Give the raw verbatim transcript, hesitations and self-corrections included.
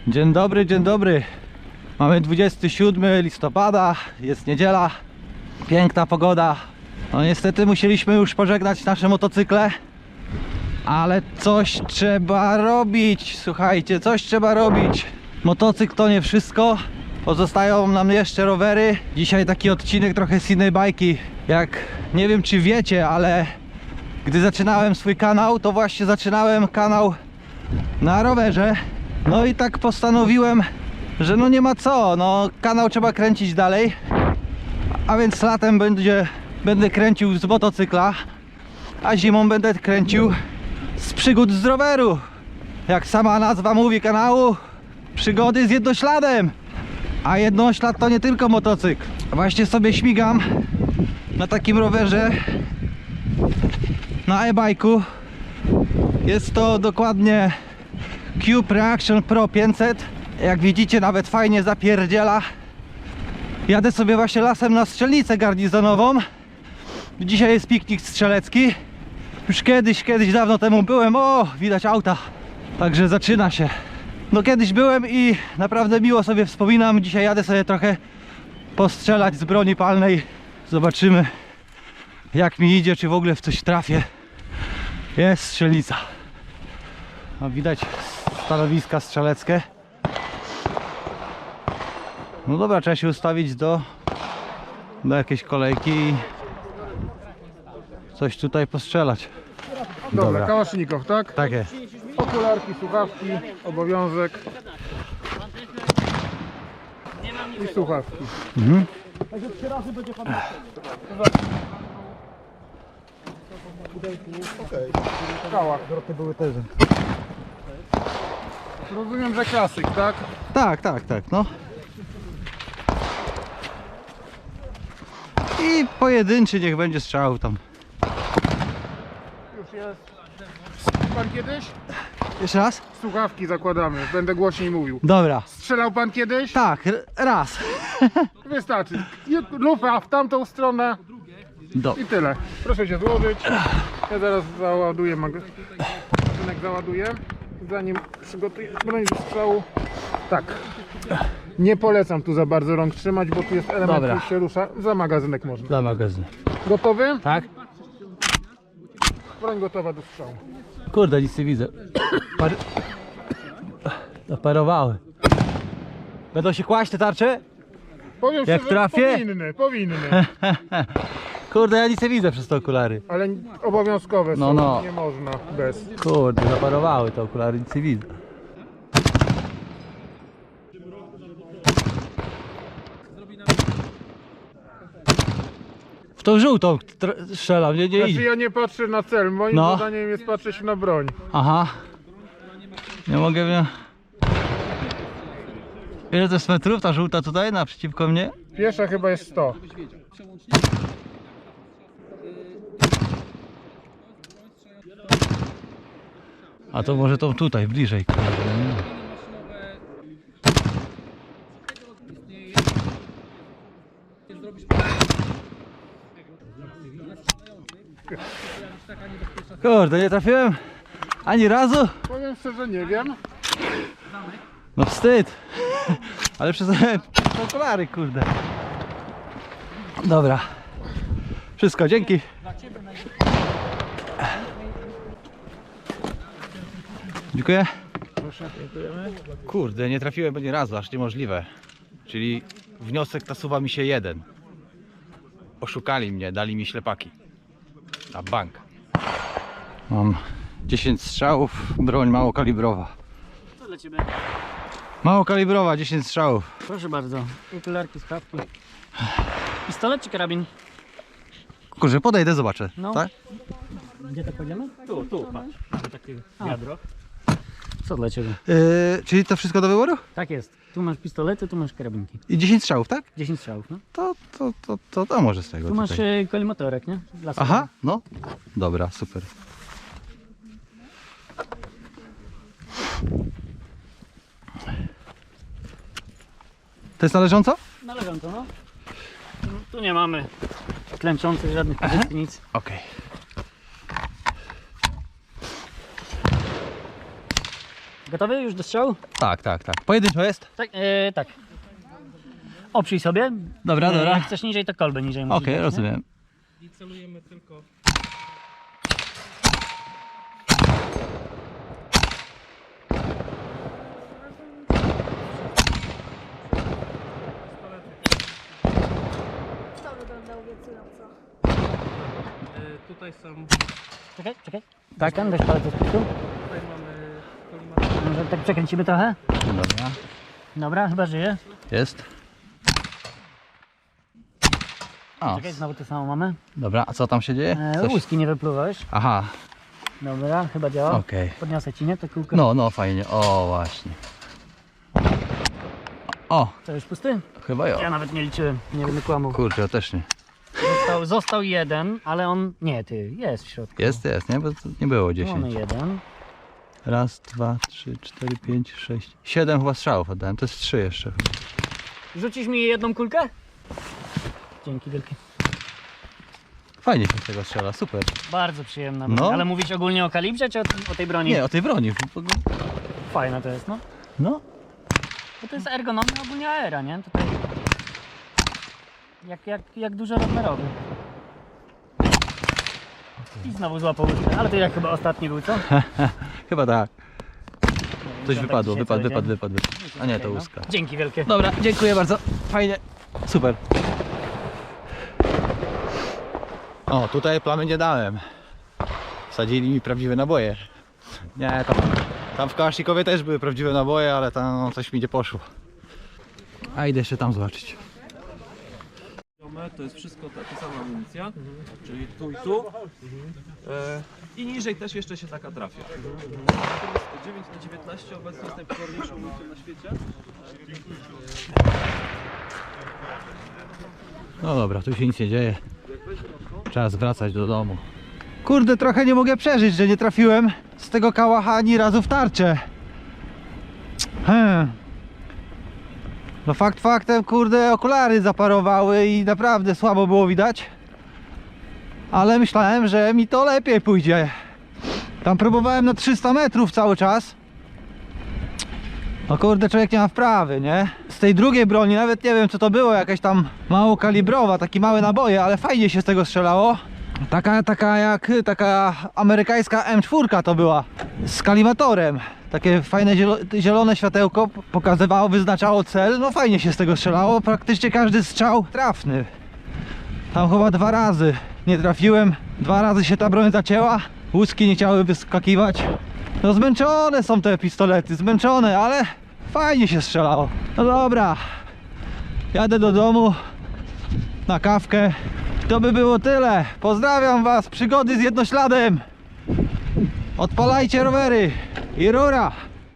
Dzień dobry, dzień dobry. Mamy dwudziestego siódmego listopada, jest niedziela, piękna pogoda. No niestety musieliśmy już pożegnać nasze motocykle, ale coś trzeba robić, słuchajcie, coś trzeba robić. Motocykl to nie wszystko, pozostają nam jeszcze rowery. Dzisiaj taki odcinek trochę z innej bajki. Jak nie wiem czy wiecie, ale gdy zaczynałem swój kanał, to właśnie zaczynałem kanał na rowerze. No i tak postanowiłem, że no nie ma co, no kanał trzeba kręcić dalej. A więc latem będzie, będę kręcił z motocykla, a zimą będę kręcił z przygód z roweru. Jak sama nazwa mówi kanału, przygody z jednośladem. A jednoślad to nie tylko motocykl. Właśnie sobie śmigam na takim rowerze, na e-bike'u. Jest to dokładnie Cube Reaction Pro pięćset. Jak widzicie, nawet fajnie zapierdziela. Jadę sobie właśnie lasem na strzelnicę garnizonową. Dzisiaj jest piknik strzelecki. Już kiedyś, kiedyś dawno temu byłem. O, widać auta. Także zaczyna się. No kiedyś byłem i naprawdę miło sobie wspominam. Dzisiaj jadę sobie trochę postrzelać z broni palnej. Zobaczymy, jak mi idzie, czy w ogóle w coś trafię. Jest strzelnica. No, widać stanowiska strzeleckie. No dobra, trzeba się ustawić do, do jakiejś kolejki i coś tutaj postrzelać. Dobra, Dobra. kałasznikow, tak? Tak jest. Okularki, słuchawki, obowiązek. I słuchawki. Mhm. Kałach. były też. Rozumiem, że klasyk, tak? Tak, tak, tak, no. I pojedynczy niech będzie strzał tam. Już jest. Pan kiedyś? Jeszcze raz? Słuchawki zakładamy, będę głośniej mówił. Dobra. Strzelał pan kiedyś? Tak, r- raz. Wystarczy. I- Lufa w tamtą stronę Do. i tyle. Proszę się złożyć. Ja zaraz załaduję mag- magazynek załaduję. Zanim przygotuję broń do strzału. Tak. Nie polecam tu za bardzo rąk trzymać, bo tu jest element, Dobra. który się rusza. Za magazynek można. Dla magazynu. Gotowy? Tak? Broń gotowa do strzału. Kurde, nic nie widzę. Par... Zaparowały. Będą się kłaść te tarcze? Powiem Jak szczerze, trafię? powinny, powinny. Kurde, ja nic nie widzę przez te okulary. Ale obowiązkowe No, są, no. nie można bez. Kurde, zaparowały te okulary, nic nie widzę. W tą żółtą tr- strzelam, nie, nie Znaczy idzie. ja nie patrzę na cel, moim No. zadaniem jest patrzeć na broń. Aha. Nie mogę wiem. Ile to jest metrów ta żółta tutaj naprzeciwko mnie? Piesza chyba jest sto. A to może tą tutaj, bliżej. Kurde, nie? Kurde, nie trafiłem ani razu. Powiem szczerze, nie wiem. No wstyd. Ale przez te okulary, kurde. Dobra. Wszystko, dzięki. Dziękuję. Proszę, dziękujemy. Kurde, nie trafiłem ani razu, aż niemożliwe. Czyli wniosek nasuwa mi się jeden. Oszukali mnie, dali mi ślepaki. Na bank. Mam dziesięć strzałów, broń małokalibrowa. Co dla ciebie? Małokalibrowa, dziesięć strzałów. Proszę bardzo. Okularki, słuchawki. Pistolet czy karabin? Kurczę, podejdę, zobaczę. No. Tak? Gdzie tak kładziemy? Tu, tu, patrz. Mamy takie wiadro. Co dla ciebie? Yy, czyli to wszystko do wyboru? Tak jest. Tu masz pistolety, tu masz karabinki. I dziesięć strzałów, tak? dziesięć strzałów, no. To, to, to, to, to może z tego Tu masz tutaj. e, kolimatorek, nie? Dla Aha, no. Dobra, super. To jest należąco? Należąco, no. Tu nie mamy klęczących żadnych pozycji, nic. Okej. Gotowy już do strzału? Tak, tak, tak. Pojedynczo jest? Tak, e, tak. Oprzyj sobie. Dobra, E, dobra. Jak chcesz niżej, to kolbę niżej musisz Okej, dać, nie? rozumiem. I celujemy tylko... To wygląda obiecująco. Tutaj są... Czekaj, czekaj. Tak, tam weź palec od pistu. Tutaj mamy kolimator. Może tak przekręcimy trochę? Dobra. Dobra, chyba żyje. Jest. O, Czekaj, znowu to samo mamy. dobra, a co tam się dzieje? E, Coś... łuski nie wypluwałeś. Aha, Dobra, chyba działa. okej. Podniosę ci, nie? To kółko. No, no, fajnie. O, właśnie. O, To już pusty? chyba Ja jo. nawet nie liczyłem, nie będę kłamał. Kurczę, ja też nie. Został, został jeden, ale on... Nie, ty, jest w środku. Jest, jest, nie? Bo to nie było Mamy dziesięć. jeden. Raz, dwa, trzy, cztery, pięć, sześć. Siedem chyba strzałów oddałem, to jest trzy jeszcze. Rzucisz mi jedną kulkę? Dzięki wielkie. Fajnie się z tego strzela, super. Bardzo przyjemna broń. No. Ale mówić ogólnie o kalibrze, czy o, o tej broni? Nie, o tej broni. Fajna to jest, no. No, Bo to jest ergonomia ogólnie aera, nie? Tutaj... Jak, jak, jak dużorozmiarowy. I znowu złapał łódkę, ale to jak chyba ostatni był, co? chyba tak. Coś Tak wypadło, dzisiaj wypadł, cały wypadł, dzień. wypadł, wypadł. A nie, to Okej, no. łuska. Dzięki wielkie. Dobra, dziękuję bardzo. Fajnie. Super. O, tutaj plamy nie dałem. Wsadzili mi prawdziwe naboje. Nie, tam, tam w Kałasznikowie też były prawdziwe naboje, ale tam no, coś mi nie poszło. A idę jeszcze tam zobaczyć. To jest wszystko ta, ta sama amunicja, czyli tu i tu. E, I niżej też jeszcze się taka trafia. Natomiast dziewięć na dziewiętnaście obecnie jest najpokorniejszą amunicją na świecie. No dobra, tu się nic nie dzieje. Czas wracać do domu. Kurde, trochę nie mogę przeżyć, że nie trafiłem z tego kałacha ani razu w tarczę. Hmm. No fakt faktem, kurde, okulary zaparowały i naprawdę słabo było widać. Ale myślałem, że mi to lepiej pójdzie. Tam próbowałem na trzysta metrów cały czas. No kurde, człowiek nie ma wprawy, nie? Z tej drugiej broni, nawet nie wiem co to było, jakaś tam małokalibrowa, takie małe naboje, ale fajnie się z tego strzelało. Taka, taka jak, taka amerykańska M cztery to była, z kalimatorem. Takie fajne zielo, zielone światełko pokazywało, wyznaczało cel, no fajnie się z tego strzelało, praktycznie każdy strzał trafny. Tam chyba dwa razy nie trafiłem, dwa razy się ta broń zacięła, łuski nie chciały wyskakiwać. No zmęczone są te pistolety, zmęczone, ale fajnie się strzelało. No dobra, jadę do domu na kawkę. To by było tyle. Pozdrawiam was, przygody z jednośladem. Odpalajcie rowery i rura.